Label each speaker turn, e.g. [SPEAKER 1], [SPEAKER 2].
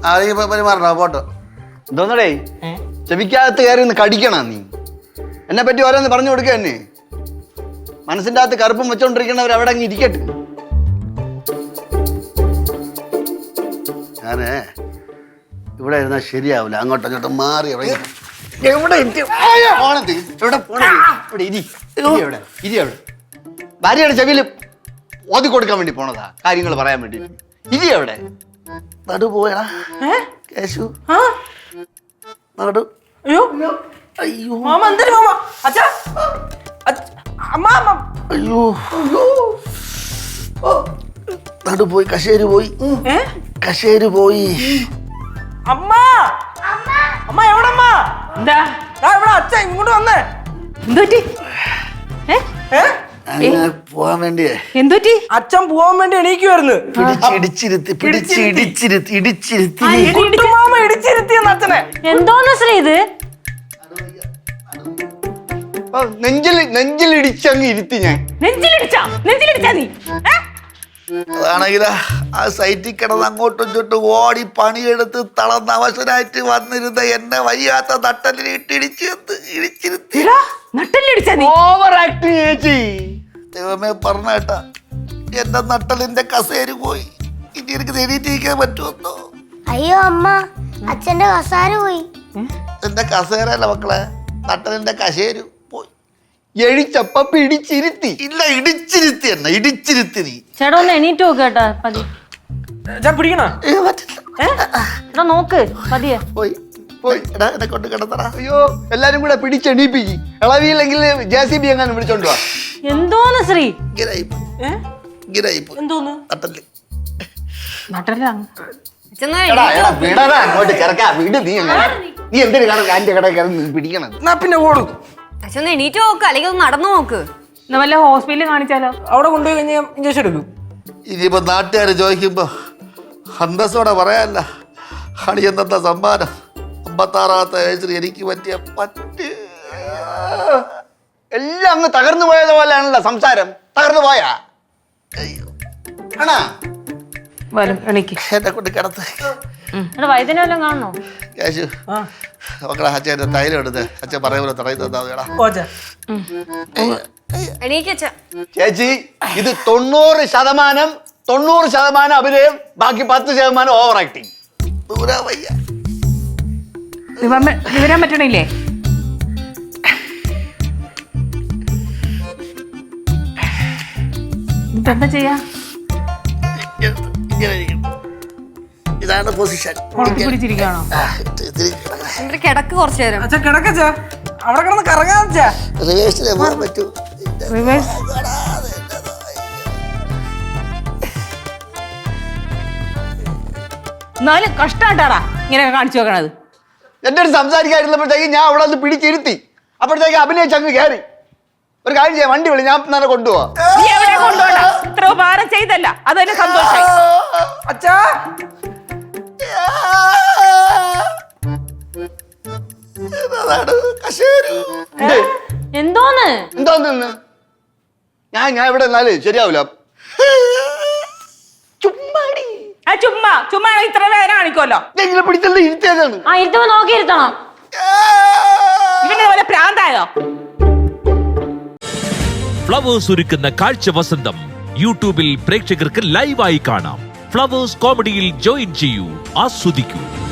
[SPEAKER 1] പെരുമാറണോ photo എന്തോന്നടേ ചെവിക്കകത്ത് കയറി ഒന്ന് കടിക്കണ നീ എന്നെ പറ്റി ഓരോന്ന് പറഞ്ഞു കൊടുക്കുക തന്നെ മനസ്സിൻ്റെ അകത്ത് കറുപ്പും വെച്ചോണ്ടിരിക്കണവർ അവിടെ അങ്ങ് ഇരിക്കട്ടെ. ഞാനേ ഇവിടെ ഇരുന്നാൽ ശരിയാവില്ല, അങ്ങോട്ടും ഇങ്ങോട്ടും മാറി ഭാര്യയുടെ ചെവിയിൽ ഓതി കൊടുക്കാൻ വേണ്ടി പോണതാ, കാര്യങ്ങൾ പറയാൻ വേണ്ടി. ഇരി എവിടെ നടു പോയടാ കേശു നടു.
[SPEAKER 2] അയ്യോ അയ്യോ മാമ എന്തിനു മാമ അച്ഛാ അമ്മ
[SPEAKER 1] അയ്യോ നടു പോയി, കശേര് പോയി, കശേര് പോയി.
[SPEAKER 2] അമ്മ അമ്മ എവിടമ്മ? എന്താ ഇവിടെ അച്ഛൻ ഇങ്ങോട്ട് വന്നേ. എന്തുപറ്റി?
[SPEAKER 1] പോവാൻ വേണ്ടിയേ.
[SPEAKER 2] എന്തുപറ്റി? അച്ഛൻ പോവാൻ വേണ്ടി എണീക്കുവായിരുന്നു. മാമ ഇടിച്ചിരുത്തിയെന്ന് അച്ഛനെ.
[SPEAKER 3] എന്തോന്ന് ശ്രീ ഇത്?
[SPEAKER 1] നെഞ്ചിലിടിച്ചങ്ങ് ഇരുത്തി ഞാൻ.
[SPEAKER 3] നെഞ്ചിലിടിച്ചാ നീ?
[SPEAKER 1] അതാണെങ്കിലാ ആ സൈറ്റിൽ കിടന്ന് അങ്ങോട്ടും ഇങ്ങോട്ടും ഓടി പണിയെടുത്ത് തളർന്ന അവശനായിട്ട് വന്നിരുന്ന എന്നെ വയ്യാത്ത നട്ടലിൽ ഇടിച്ചിരുത്തി. ഓവർ ആക്ടിങ് ചേച്ചി. ദൈവമേ പറഞ്ഞേട്ടാ എന്റെ നട്ടലിന്റെ കസേര പോയി. ഇനി എനിക്ക് എണീറ്റിരിക്കാൻ പറ്റുമെന്നോ?
[SPEAKER 4] അയ്യോ അമ്മ അച്ഛന്റെ കസാര പോയി.
[SPEAKER 1] എന്റെ കസേരല്ല മക്കളെ, നട്ടലിന്റെ കസേര പോയി. എഴിച്ചപ്പ പിടിച്ചിരുത്തി. ഇല്ല ഇടിച്ചിരുത്തി എന്നെ, ഇടിച്ചിരുത്തി. നീ
[SPEAKER 3] ചേട്ടാ ഒന്ന് എണീറ്റ് നോക്കേട്ടാ പതി.
[SPEAKER 2] പിടിക്കണോ?
[SPEAKER 3] നോക്ക് പതിയെ.
[SPEAKER 1] പോയി പോയി എന്നെ കൊണ്ട് കിടത്തടാ. അയ്യോ എല്ലാരും കൂടെ പിടിച്ചെണീപ്പിക്ക്. ഇളവിയില്ലെങ്കിൽ JCB എങ്ങാനും വിളിച്ചോണ്ട് വാ.
[SPEAKER 3] എന്തോന്ന് ശ്രീ?
[SPEAKER 2] എന്തോന്ന്
[SPEAKER 1] അങ്ങോട്ട് കിടക്കാ വീട്. നീ എന്തിനു ആന്റെ കട പിടിക്കണം?
[SPEAKER 2] പിന്നെ ഓടും.
[SPEAKER 5] അച്ഛൻ എണീറ്റ് നോക്ക്, അല്ലെങ്കിൽ ഒന്ന് നടന്നു നോക്ക്.
[SPEAKER 3] വല്ല ഹോസ്പിറ്റലിൽ കാണിച്ചാലോ?
[SPEAKER 2] അവിടെ കൊണ്ടുപോയി കഴിഞ്ഞാൽ ഇഞ്ചക്ഷൻ എടുക്കും.
[SPEAKER 1] ഇനിയിപ്പോ നാട്ടുകാര് ചോദിക്കുമ്പോ അന്തസ്സോടെ പറയാല്ല, അണിയെന്ന സമ്മാനം 56ാമത്തെ വയസ്സിൽ എനിക്ക് പറ്റിയ എല്ലാം അങ്ങ് തകർന്നു പോയത് പോലെയാണല്ലോ സംസാരം. തകർന്നു പോയാ എന്നെ കൊണ്ട് കിടത്ത്.
[SPEAKER 3] വൈദ്യനെ വല്ലതും കാണണോ?
[SPEAKER 1] കേശു മക്കളെ അച്ഛൻ്റെ തൈലം എടുത്ത് അച്ഛൻ പറയുമ്പോൾ തടയി തന്നാ. ചേച്ചി ഇത് 90% അഭിനയം, ബാക്കി 10% ഓവർ ആക്ടിങ്.
[SPEAKER 3] വിവരം പറ്റണില്ലേ? എന്താ ചെയ്യാ?
[SPEAKER 1] ഇതാണ് പൊസിഷൻ.
[SPEAKER 3] പിടിച്ചിരിക്കണോ?
[SPEAKER 5] കിടക്ക് കുറച്ചു നേരം.
[SPEAKER 2] അച്ഛാ കിടക്കച്ചാ, അവിടെ കിടന്ന് കറങ്ങാച്ചാ.
[SPEAKER 1] റിവേഴ്സിലെ പോകാൻ പറ്റൂ.
[SPEAKER 3] എന്നാലും കഷ്ടാട്ടാടാ ഇങ്ങനെ കാണിച്ചു വെക്കണത്.
[SPEAKER 1] എന്റെ അടുത്ത് സംസാരിക്കാതിരുന്നപ്പോഴത്തേക്ക് ഞാൻ അവിടെ നിന്ന് പിടിച്ചിരുത്തി. അപ്പോഴത്തേക്ക് അഭിനയിച്ചങ്ങ് കയറി. ഒരു കാര്യം ചെയ്യാം, വണ്ടി വിളി, ഞാൻ തന്നെ കൊണ്ടുപോവാ.
[SPEAKER 3] ഇത്ര ഉപകാരം ചെയ്തല്ല, അത് തന്നെ സന്തോഷമായി.
[SPEAKER 2] അച്ഛാ
[SPEAKER 3] എന്തോന്ന്
[SPEAKER 1] എന്തോന്ന് ഞാൻ ഇവിടെ എന്നാല് ശരിയാവില്ല.
[SPEAKER 3] ചുമ്മാ ഇത്ര വേദന കാണിക്കുമല്ലോ.
[SPEAKER 1] എങ്ങനെ പിടിച്ചത് ഇരുത്തിയതാണ്.
[SPEAKER 3] ഇരുത്തുമ്പോ നോക്കിയിരുത്തണം. ഇവന്റെ പോലെ പ്രാന്തായോ?
[SPEAKER 6] ഫ്ലവേഴ്സ് ഒരുക്കുന്ന കാഴ്ച വസന്തം യൂട്യൂബിൽ പ്രേക്ഷകർക്ക് ലൈവായി കാണാം. ഫ്ലവേഴ്സ് കോമഡിയിൽ ജോയിൻ ചെയ്യൂ, ആസ്വദിക്കൂ.